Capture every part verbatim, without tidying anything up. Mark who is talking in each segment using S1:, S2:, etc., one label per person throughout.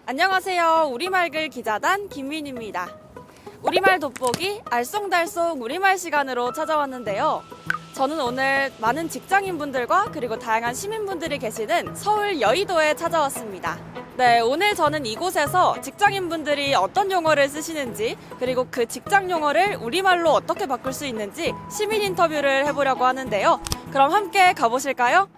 S1: 안녕하세요. 우리말글 기자단 김민입니다. 우리말 돋보기 알쏭달쏭 우리말 시간으로 찾아왔는데요. 저는 오늘 많은 직장인분들과 그리고 다양한 시민분들이 계시는 서울 여의도에 찾아왔습니다. 네, 오늘 저는 이곳에서 직장인분들이 어떤 용어를 쓰시는지 그리고 그 직장 용어를 우리말로 어떻게 바꿀 수 있는지 시민 인터뷰를 해보려고 하는데요. 그럼 함께 가보실까요?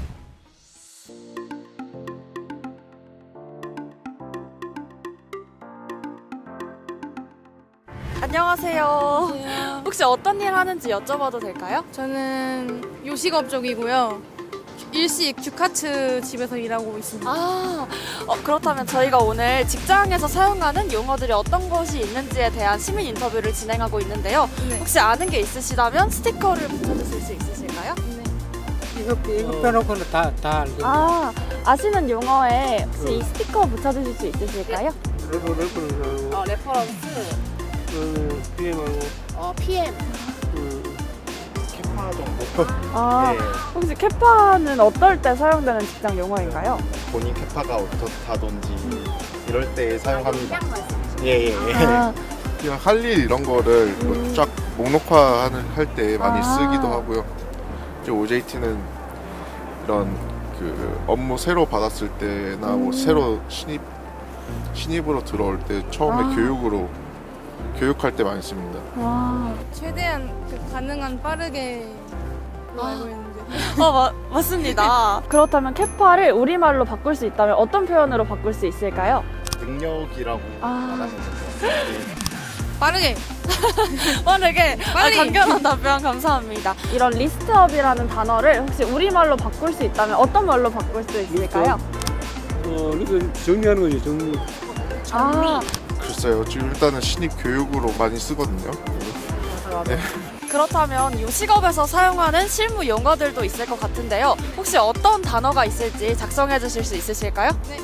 S1: 안녕하세요.
S2: 안녕하세요.
S1: 혹시 어떤 일 하는지 여쭤봐도 될까요?
S2: 저는 요식업 쪽이고요. 일식 주카츠 집에서 일하고 있습니다.
S1: 아, 어, 그렇다면 저희가 오늘 직장에서 사용하는 용어들이 어떤 것이 있는지에 대한 시민 인터뷰를 진행하고 있는데요.
S2: 네.
S1: 혹시 아는 게 있으시다면 스티커를 붙여주실 수 있으실까요?
S2: 네.
S3: 이거 이거 빼놓고는 다 다 알고.
S1: 아, 아시는 용어에 혹시 이 스티커 붙여주실 수 있으실까요?
S3: 레버 레버는
S1: 어, 레퍼런스,
S3: 그 비엠하고
S1: 어, 피엠.
S3: 그
S4: 캐파 정도.
S1: 아,
S4: 네.
S1: 혹시 캐파는 어떨 때 사용되는 직장 용어인가요?
S4: 본인 캐파가 어떻다든지 이럴 때 사용합니다. 예예. 예, 예.
S1: 아,
S5: 그냥 할 일 이런 거를
S1: 음.
S5: 쫙 목록화 할 때 많이
S1: 아.
S5: 쓰기도 하고요. 이제 오제이티는 이런 그 업무 새로 받았을 때나 뭐
S1: 음.
S5: 새로 신입 신입으로 들어올 때 처음에
S1: 아.
S5: 교육으로 교육할 때 많이 씁니다.
S1: 와.
S2: 최대한 그 가능한 빠르게 로
S1: 아.
S2: 알고 있는데.
S1: 어, 마, 맞습니다. 그렇다면 캐파를 우리말로 바꿀 수 있다면 어떤 표현으로 바꿀 수 있을까요?
S4: 능력이라고
S1: 아.
S4: 말하면 될 것 같아요.
S2: 빠르게.
S1: 빠르게
S2: 빨리.
S1: 아, 간결한 답변 감사합니다. 이런 리스트업이라는 단어를 혹시 우리말로 바꿀 수 있다면 어떤 말로 바꿀 수 있을까요?
S3: 어 이거 정리하는 거지 정리.
S1: 아,
S5: 글쎄요. 지금 일단은 신입 교육으로 많이 쓰거든요. 네.
S1: 그렇다면 요식업에서 사용하는 실무 용어들도 있을 것 같은데요. 혹시 어떤 단어가 있을지 작성해 주실 수 있으실까요?
S2: 네.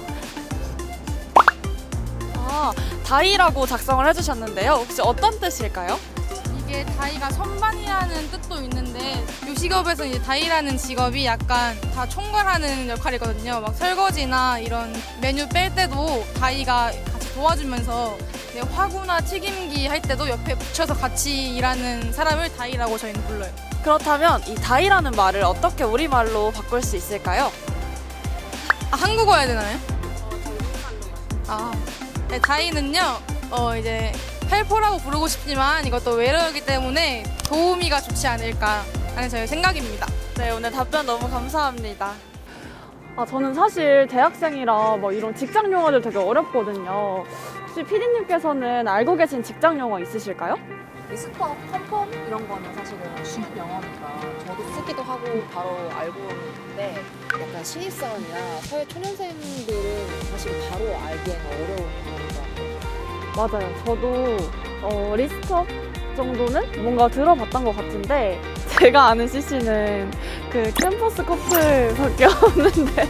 S1: 아, 다이라고 작성을 해주셨는데요. 혹시 어떤 뜻일까요?
S2: 이게 다이가 선반이라는 뜻도 있는데 요식업에서 이제 다이라는 직업이 약간 다 총괄하는 역할이거든요. 막 설거지나 이런 메뉴 뺄 때도 다이가 같이 도와주면서 네, 화구나 튀김기 할 때도 옆에 붙여서 같이 일하는 사람을 다이라고 저희는 불러요.
S1: 그렇다면 이 다이라는 말을 어떻게 우리말로 바꿀 수 있을까요?
S2: 아, 한국어 해야 되나요? 아, 네, 다이는요, 어, 이제 헬퍼라고 부르고 싶지만 이것도 외래어이기 때문에 도우미가 좋지 않을까 하는 저의 생각입니다.
S1: 네, 오늘 답변 너무 감사합니다. 아, 저는 사실 대학생이라 뭐 이런 직장 용어들 되게 어렵거든요. 혹시 피디님께서는 알고 계신 직장 용어 있으실까요?
S6: 리스트업, 컨펌 이런 거는 사실은 쉬운 영어니까 저도 쓰기도 하고 바로 알고 있는데 약간 신입사원이나 사회 초년생들은 사실 바로 알기에는 어려운 용어인 것 같아요.
S1: 맞아요. 저도 어, 리스트업 정도는 뭔가 들어봤던 것 같은데 제가 아는 씨씨는 그 캠퍼스 커플밖에 없는데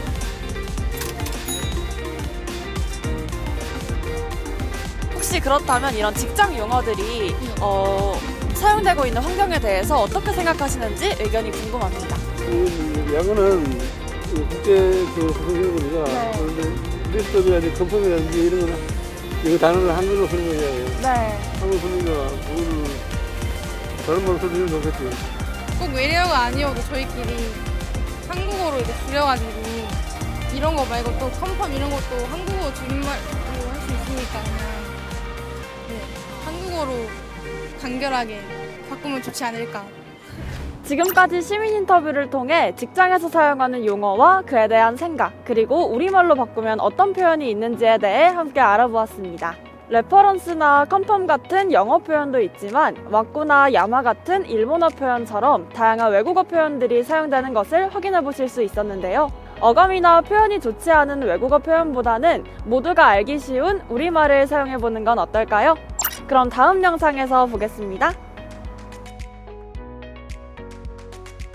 S1: 혹시 그렇다면 이런 직장 용어들이 어, 사용되고 있는 환경에 대해서 어떻게 생각하시는지 의견이 궁금합니다.
S3: 이 야구는 그 국제 그 선생님이니까
S1: 네.
S3: 그런데 리스트업이라든지 컨펌이라든지 이런 거는 이거 단어를 한글로 쓰는 거잖아요.
S1: 네.
S3: 한글 쓰니까 그거는 다른 말로 쓰면 좋겠지.
S2: 꼭 외래어가 아니어도 저희끼리 한국어로 이렇게 줄여가지고 이런 거 말고 또 컨펌 이런 것도 한국어 줄임말로 할 수 있으니까 그냥 네, 한국어로 간결하게 바꾸면 좋지 않을까.
S1: 지금까지 시민 인터뷰를 통해 직장에서 사용하는 용어와 그에 대한 생각, 그리고 우리말로 바꾸면 어떤 표현이 있는지에 대해 함께 알아보았습니다. 레퍼런스나 컨펌 같은 영어 표현도 있지만 와꾸나 야마 같은 일본어 표현처럼 다양한 외국어 표현들이 사용되는 것을 확인해 보실 수 있었는데요. 어감이나 표현이 좋지 않은 외국어 표현보다는 모두가 알기 쉬운 우리말을 사용해 보는 건 어떨까요? 그럼 다음 영상에서 보겠습니다.